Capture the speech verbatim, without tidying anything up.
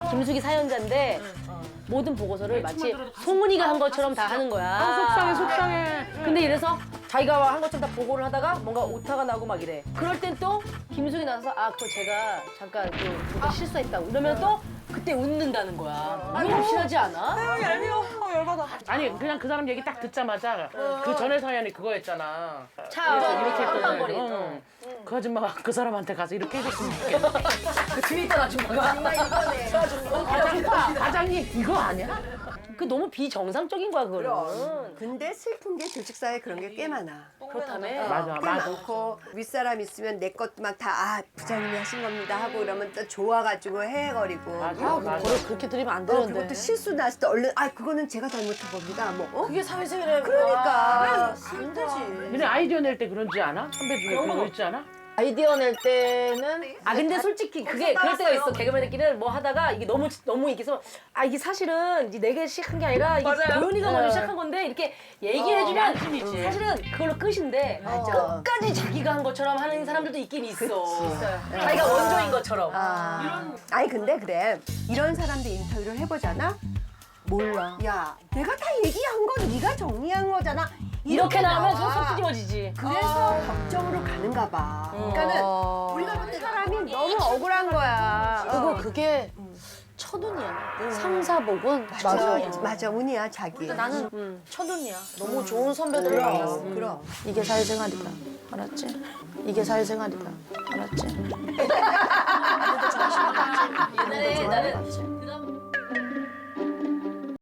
김숙이 사연자인데 모든 보고서를 마치 송은이가 한 것처럼 다 하는 거야. 아, 속상해, 속상해. 근데 이래서 자기가 한 것처럼 다 보고를 하다가 뭔가 오타가 나고 막 이래. 그럴 땐 또 김숙이 나서 아 그거 제가 잠깐 또 뭔가 실수했다고 이러면 또 그때 웃는다는 거야. 너무 확실하지 않아? 얄미워. 열받아. 아니 그냥 그 사람 얘기 딱 듣자마자 그 전에 사연이 그거였잖아. 차 이렇게 했거든. 빵빵거리. 응. 그 아줌마가 그 사람한테 가서 이렇게 해줬으면 좋겠다. 그 뒤에 있던 아줌마가. 과장, 과장님 이거 아니야? 그 너무 비정상적인 거야 그거는. 근데 슬픈 게 조직사에 그런 게 꽤 많아. 그렇다며. 맞아, 꽤 맞아. 많고 윗사람 있으면 내 것 막 다 아 부장님이 하신 겁니다 하고 이러면 또 좋아가지고 헤헤거리고. 맞아, 아, 맞아. 그걸 그렇게 들으면 안 어, 되는데. 그것도 실수 났을 때 얼른 아 그거는 제가 잘못한 겁니다. 뭐 어? 그게 사회생활에 그러니까 안 되지. 근데 아이디어 낼 때 그런지 않아? 선배 중에 그런 거 있지 않아? 아이디어 낼 때는 아 근데 솔직히 그게 그럴 때가 있어. 개그맨들끼리는 뭐 하다가 이게 너무 너무 이게서 아 이게 사실은 이제 내가 시작한 게 아니라 이게 도현이가 먼저 시작한 건데 이렇게 얘기를 해주면 사실은 그걸로 끝인데 맞아. 끝까지 자기가 한 것처럼 하는 사람들도 있긴 있어. 자기가 원조인 것처럼. 아. 아니 근데 그래 이런 사람들 인터뷰를 해보잖아. 몰라. 야 내가 다 얘기한 건 네가 정리한 거잖아. 이렇게 나오면 나와. 속속 끄집어지지. 그래서 걱정으로 가는가 봐. 그러니까는 우리가 볼 때 사람이 너무 억울한 거야. 그리고 그게 첫운이야. 삼사복은 맞아, 맞아, 운이야 자기. 나는 첫운이야. 너무 좋은 선배들을 만났어. 그럼. 이게 사회생활이다. 알았지? 이게 사회생활이다. 알았지? 옛날에 나는